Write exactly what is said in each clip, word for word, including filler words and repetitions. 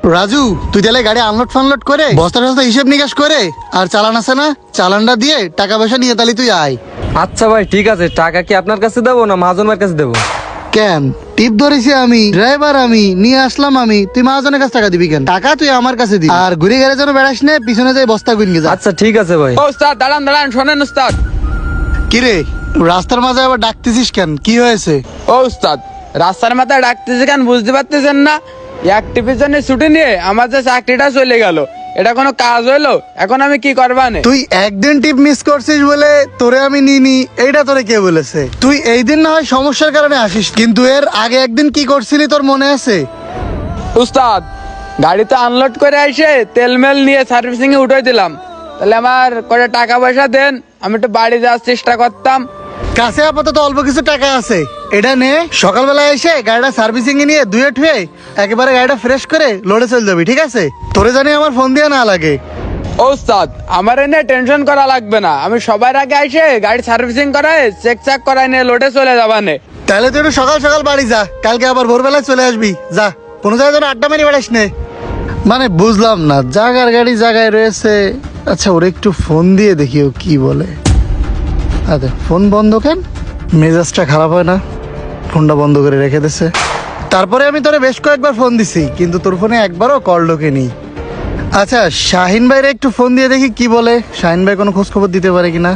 রাজু, তুই তাহলে গাড়ি আনলোড ফানলোড করে বস্তা টস্তা হিসেব নিকাশ করে আর চালান আছে না, চালানটা দিয়ে টাকা পয়সা নিয়ে তাহলে তুই আয়। আচ্ছা ভাই ঠিক আছে, টাকা কি আপনার কাছে দেবো না মহাজন ভাইয়ের কাছে দেবো? কেন, টিপ ধরেছি আমি, ড্রাইভার আমি, নিয়ে আসলাম আমি, তুই মহাজনের কাছে টাকা দিবি কেন? টাকা তুই আমার কাছে দিবি, আর ঘুরে গেলে যেন বেড়াস না, পিছনে যাই বস্তা গুনগে যা। আচ্ছা ঠিক আছে ভাই। ও উস্তাদ দাঁড়ান দাঁড়ান, শোনেন উস্তাদ। কিরে, রাস্তার মাঝে আবার ডাকতেছিস কেন, কি হয়েছে? ও উস্তাদ, রাস্তার মাথায় ডাকতেছে কেন বুঝতে পারতেছেন না? এক টিপির জন্য ছুটি নিয়ে আমার যে চাকরিটা চলে গেল, এটা কোনো কাজ হইলো? এখন আমি কি করবানে? তুই একদিন টিপ মিস করছিস বলে তোরে আমি নিনি, এইটা তোরে কে বলেছে? তুই এই দিন না হয় সমস্যার কারণে আসিস, কিন্তু এর আগে একদিন কি করছিলি তোর মনে আছে? উস্তাদ, গাড়িতে আনলোড করে এসে তেল মেল নিয়ে সার্ভিসিং এ উঠাই দিলাম। তাহলে আমার কটা টাকা পয়সা দেন, আমি একটু বাড়ি যাওয়ার চেষ্টা করতাম। কাছে আপাতত অল্প কিছু টাকা আছে, এটা নে, সকালবেলা এসে গাড়িটা সার্ভিসিং এ নিয়ে ধুয়ে ঠুয়ে একেবারে গাড়িটা ফ্রেশ করে লোডে চলে যাবি, ঠিক আছে? তোরে জানি আমার ফোন দিয়ে না লাগে। ও উস্তাদ, আমার এনে টেনশন করা লাগবে না, আমি সবার আগে এসে গাড়ি সার্ভিসিং করায় চেক চাক করায় নিয়ে লোডে চলে যাবানে। তাহলে তুই একটু সকাল সকাল বাড়ি যা, কালকে আবার ভোরবেলায় চলে আসবি। যা, কোনো জায়গায় যেন আড্ডা মেরে বেড়াস নে। মানে বুঝলাম না, জাগার গাড়ি জায়গায় রয়েছে। আচ্ছা, ওরে একটু ফোন দিয়ে দেখি ও কি বলে। আচ্ছা, ফোন বন্ধ কেন? মেজাজটা খারাপ হয় না? ফোনটা বন্ধ করে রেখে দিছে। তারপরে আমি তোরে বেশ কয়েকবার ফোন দিছি, কিন্তু তোর ফোনে একবারও কল ঢোকেনি। আচ্ছা, শাহিন ভাইরে একটু ফোন দিয়ে দেখি কি বলে। শাহিন ভাই কোনো খোঁজ খবর দিতে পারে কিনা।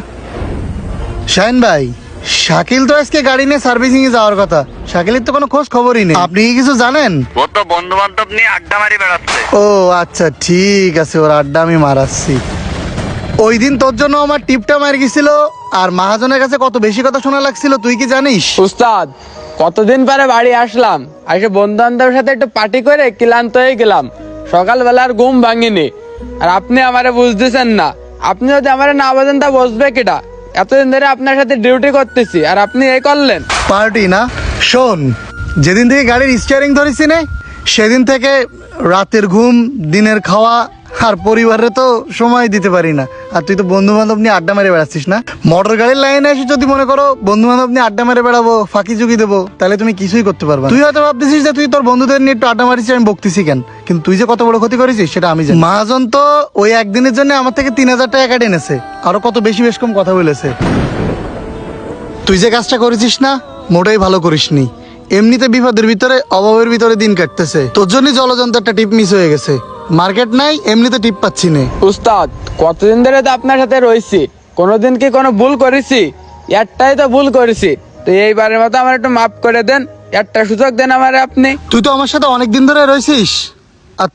শাহিন ভাই, শাকিল তো আজকে গাড়ি নিয়ে সার্ভিসিং এ যাওয়ার কথা, শাকিলের তো কোনো খোঁজ খবরই নেই, আপনি কি কিছু জানেন? ও তো বন্ধু বান্ধব নিয়ে আড্ডা মারি বেড়াচ্ছে। ও আচ্ছা, ঠিক আছে, ওর আড্ডা আমি মারাচ্ছি। ওই দিন তোর জন্য আমার টিপটা মার গেছিল, আর মহাজনের কাছে কত বেশি কথা শোনা লাগছিল তুই কি জানিস? উস্তাদ, কতদিন পরে বাড়ি আসলাম, এসে বন্ধু বান্ধবের সাথে একটু পার্টি করে ক্লান্ত হয়ে গেলাম। সকালবেলা আর ঘুম ভাঙিনি, আর আপনি আমারে বুঝতেছেন না। আপনি যদি আমারে না বোঝেন তা বুঝবে কেটা? এতদিন ধরে আপনার সাথে ডিউটি করতেছি, আর আপনি এই করলেন। পার্টি না, শোন, যেদিন থেকে গাড়ির স্টিয়ারিং ধরেছি না, সেদিন থেকে রাতের ঘুম, দিনের খাওয়া আর পরিবারে তো সময় দিতে পারি না। আর তুই তো বন্ধু বান্ধব নিয়ে আড্ডা মেরে বেড়াচ্ছিস না। মোটর গাড়ির লাইনে এসে যদি মনে করো বন্ধু বান্ধব নিয়ে আড্ডা মেরে বেড়াবো, ফাঁকি চুকি দেবো, তাহলে তুমি কিছুই করতে পারবে না। তুই হয়তো ভাবতেছিস যে তুই তোর বন্ধুদের নিয়ে একটু আড্ডা মারিস, আমি বকতেছি কেন, কিন্তু তুই যে কত বড় ক্ষতি করেছিস সেটা আমি জানি। মহাজন তো ওই একদিনের জন্য আমার থেকে তিন হাজার টাকা কেটে এনেছে, আরো কত বেশি বেশ কম কথা বলেছে। তুই যে কাজটা করেছিস না, মোটেই ভালো করিসনি। এমনিতে বিপদের ভিতরে, অভাবের ভিতরে দিন কাটতেছে, তোর জন্য জলযন্ত্র একটা টিপ মিস হয়ে গেছে। মার্কেট নাই, এমনিতে টিপ পাচ্ছি না। উস্তাদ, কতদিন ধরে তো আপনার সাথে রয়েছি, কোনোদিন কি কোনো ভুল করেছি? একটাই তো ভুল করেছি, তো এইবারের মতো আমার একটু মাফ করে দেন, একটা সুযোগ দেন আমারে আপনি। তুই তো আমার সাথে অনেক দিন ধরে রয়েছিস,